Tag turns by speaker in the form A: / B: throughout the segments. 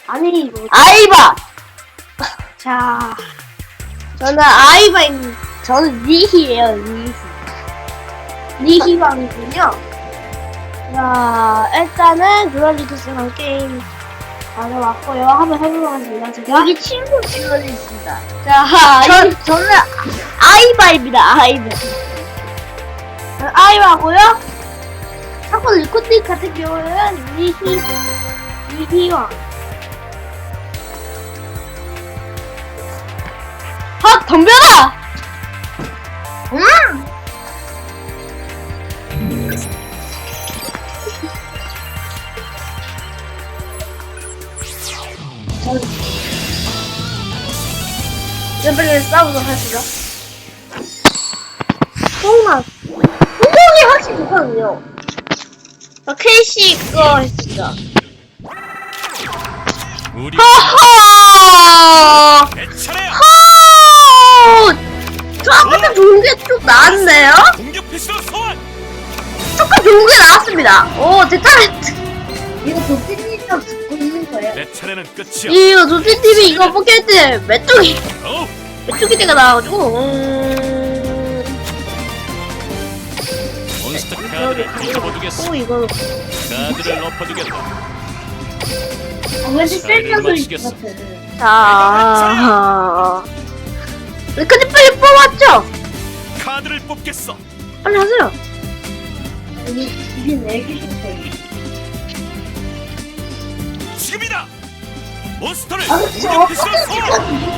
A: 아니 이거
B: 아이바!
A: 자
B: 저는 아이바입니다. 저는 니히예요, 니히.
A: 니희왕이군요.
B: 자, 일단은 듀얼리투스랑 게임 가져왔고요. 한번 해보겠습니다. 제가.
A: 여기 친구 지원이 있습니다.
B: 자, 저는 아이바입니다, 아이바. 아이바고요.
A: 하고 리코팅 같은 경우는 니희왕.
B: 아, 덤벼라!
A: 레벨을 싸우도록 하시죠.
B: 뽕맛.
A: 홍콩이 확실히 좋거든요.
B: 케이시 거 했습니다.
C: 우리
B: 허허!
C: 내 차례야.
B: 저 아까도 좋은 게 좀 나왔네요?
C: 공격 패스로 소환.
B: 조금 좋은 게 나왔습니다. 오, 제 타렌트.
A: 이거 도티님이랑 듣고 있는 거예요.
C: 내 차례는 끝이야.
B: 이거 조티TV 이거 포켓 때 메뚜기 때가 나와가지고,
C: 몬스터 카드를 뒤집어두겠어.
B: 오, 이거.
C: 카드를 엎어두겠다.
A: 왠지
C: 자리를
A: 쓸데없는 것
C: 마치겠어.
A: 같아.
B: 자. 근데 빨리 뽑았죠?
C: 카드를 뽑겠어.
B: 빨리 하세요.
A: 이게 내기 싶어요.
C: 지금이다. 몬스터를
A: 아,
C: 공격
A: 진짜
C: 패스로 소환.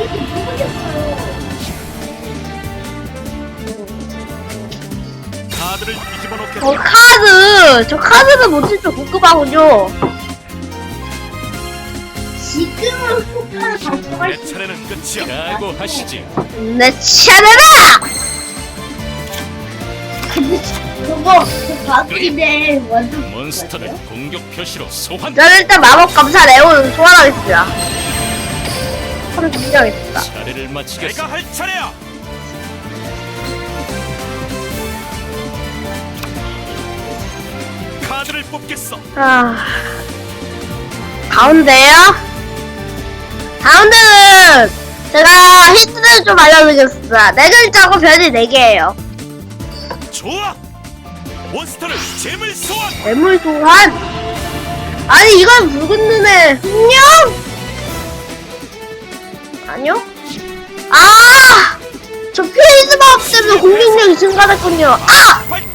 C: 카드를 뒤집어 놓겠다.
B: 저 카드는 못찍죠 고급하군요.
A: 지금은 폭탄을 발동할
C: 내
A: 수
C: 차례는 끝이야. 각오하시지.
B: 내 차례다!
A: 그거 그 바둑인데 완전
C: 몬스터를 공격 표시로 소환.
B: 저는 일단 마법 감사 레온 소환하겠습니다. 하루 준비하겠습니다.
C: 차례를 마치겠어. 내가 할 차례야. 카드를 뽑겠어.
B: 가운데요? 가운데는 제가 힌트를 좀 알려드리겠습니다. 네 글자고 별이 4개예요.
C: 좋아. 몬스터를 재물 소환.
B: 매물 소환? 아니 이건 붉은 눈의 흑룡? 아니요? 아! 저 페이스 마법 때문에 공격력이 증가됐군요. 아!